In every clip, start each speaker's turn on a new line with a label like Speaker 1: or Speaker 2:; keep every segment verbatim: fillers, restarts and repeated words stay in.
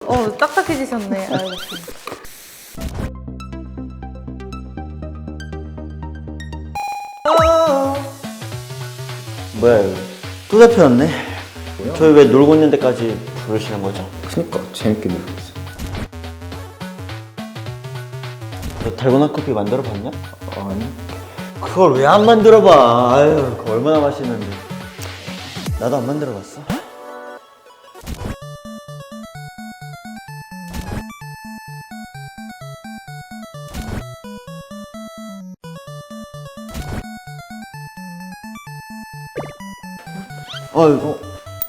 Speaker 1: 어, 딱딱해지셨네. 아이고.
Speaker 2: 뭐야 이거 또 잡혀왔네. 저희 왜 놀고 있는 데까지 부르시는 거죠?
Speaker 3: 그니까 재밌게 놀고 있어.
Speaker 2: 너 달고나 커피 만들어 봤냐?
Speaker 3: 아니
Speaker 2: 그걸 왜 안 만들어 봐. 아유 그거 얼마나 맛있는데. 나도 안 만들어 봤어. 어이구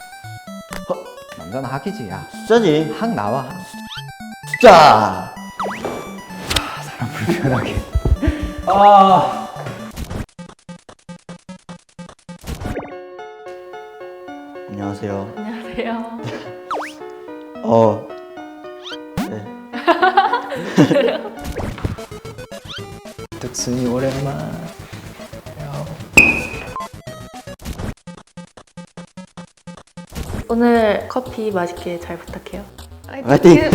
Speaker 3: 남자는 학이지. 야
Speaker 2: 숫자지.
Speaker 3: 학 나와.
Speaker 2: 숫자.
Speaker 3: 사람 불편하게.
Speaker 2: 아 안녕하세요.
Speaker 1: 안녕하세요.
Speaker 2: 어 네.
Speaker 3: 득순이 오랜만.
Speaker 1: 오늘 커피 맛있게 잘 부탁해요.
Speaker 2: 화이팅!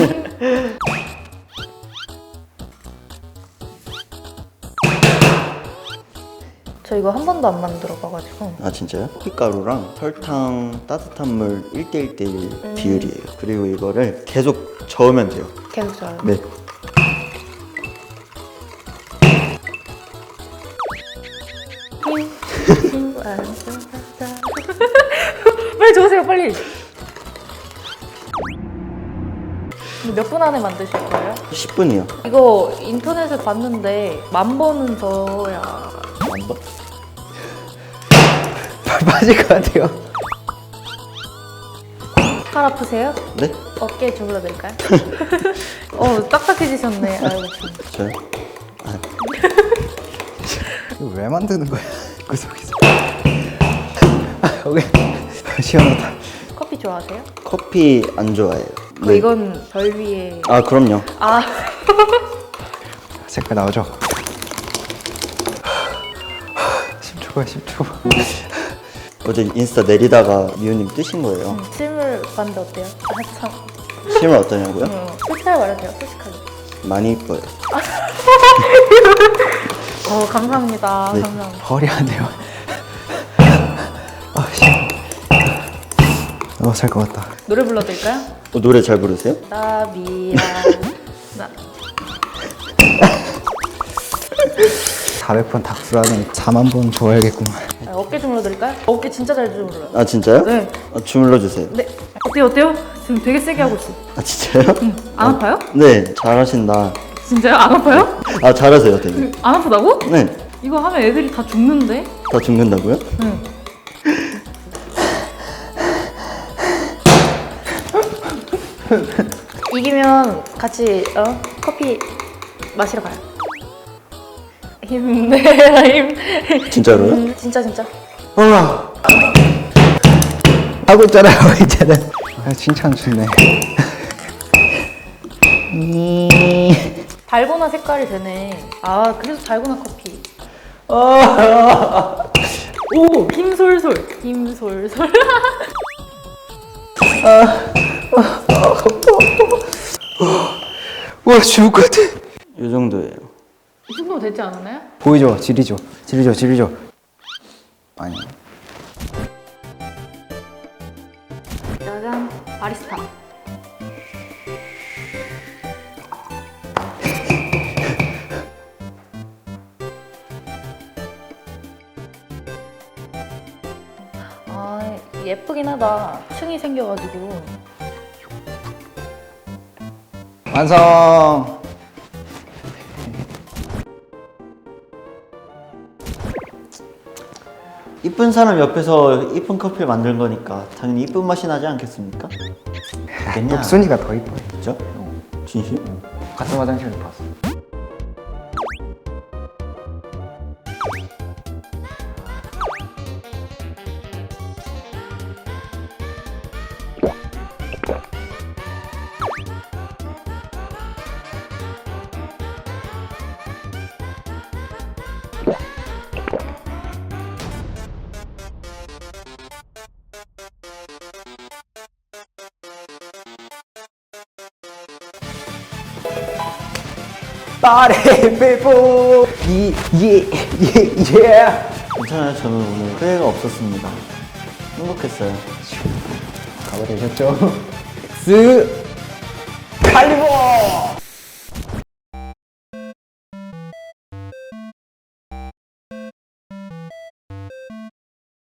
Speaker 1: 저 이거 한 번도 안 만들어 봐가지고.
Speaker 2: 아 진짜요? 커피가루랑 설탕 따뜻한 물 일 대 일 대 일
Speaker 1: 음.
Speaker 2: 비율이에요. 그리고 이거를 계속 저으면 돼요.
Speaker 1: 계속 저요.
Speaker 2: 네.
Speaker 1: 빨리 저으세요, 빨리. 몇 분 안에 만드실 거예요?
Speaker 2: 십 분이요.
Speaker 1: 이거 인터넷에 봤는데 만 번은 저야.
Speaker 2: 한 번?
Speaker 3: 빠질 것 같아요.
Speaker 1: 팔 아프세요?
Speaker 2: 네?
Speaker 1: 어깨 주물러 드릴까요? 어, 딱딱해지셨네. 아이고.
Speaker 2: 저요? 아,
Speaker 3: 이거 왜 만드는 거야? 그 속에서. 아, 여기 시원하다.
Speaker 1: 커피 좋아하세요?
Speaker 2: 커피 안 좋아해요.
Speaker 1: 그 이건 별 위에.
Speaker 2: 아 그럼요.
Speaker 1: 아.
Speaker 3: 색깔 나오죠? 십 초가 십 초.
Speaker 2: 어제 인스타 내리다가 미우님 뜨신 거예요.
Speaker 1: 음, 실물 봤는데 어때요? 아, 참.
Speaker 2: 실물 어떠냐고요?
Speaker 1: 음, 솔직하게 말해주세요, 솔직하게.
Speaker 2: 많이 이뻐요.
Speaker 1: 어, 감사합니다.
Speaker 2: 네.
Speaker 1: 감사합니다.
Speaker 3: 허리 안 돼요. 아, 씨. 너무 살것 같다.
Speaker 1: 노래 불러드릴까요?
Speaker 2: 어, 노래 잘 부르세요?
Speaker 1: 나비랑 나.
Speaker 3: 사백 번 닥수라는 사만 번 좋아야겠구만.
Speaker 1: 아, 어깨 주물러 드릴까요? 어깨 진짜 잘 주물러요.
Speaker 2: 아 진짜요?
Speaker 1: 네.
Speaker 2: 아, 주물러 주세요.
Speaker 1: 네. 어때요, 어때요? 지금 되게 세게 하고 있어.
Speaker 2: 아 진짜요?
Speaker 1: 안 아파요?
Speaker 2: 네 잘하신다.
Speaker 1: 진짜요? 안 아파요?
Speaker 2: 아 잘하세요 되게.
Speaker 1: 안 아프다고?
Speaker 2: 네.
Speaker 1: 이거 하면 애들이 다 죽는데?
Speaker 2: 다 죽는다고요?
Speaker 1: 응. 이기면 같이 어? 커피 마시러 가요. 힘내라 힘.
Speaker 2: 진짜로요?
Speaker 1: 음, 진짜 진짜.
Speaker 2: 아
Speaker 3: 하고 있잖아요, 이제는. 아, 칭찬 주네.
Speaker 1: 달고나 색깔이 되네. 아 그래서 달고나 커피. 오 힘솔솔 힘솔솔.
Speaker 3: 와, 죽을 것 같아.
Speaker 2: 이 정도예요.
Speaker 1: 이 정도 되지 않았나요?
Speaker 3: 보이죠? 지리죠? 지리죠? 지리죠? 아니.
Speaker 1: 짜잔 바리스타. 아 예쁘긴 하다. 층이 생겨가지고.
Speaker 3: 완성!
Speaker 2: 이쁜 사람 옆에서 이쁜 커피를 만든 거니까 당연히 이쁜 맛이 나지 않겠습니까? 됐냐?
Speaker 3: 덕순이가 더 이뻐요.
Speaker 2: 진짜? 진심?
Speaker 3: 같은 화장실을 봤어. 빠레 빼보 예예예
Speaker 2: 괜찮아요. 저는 오늘 후회가 없었습니다. 행복했어요.
Speaker 3: 가버리셨죠? 스 칼리버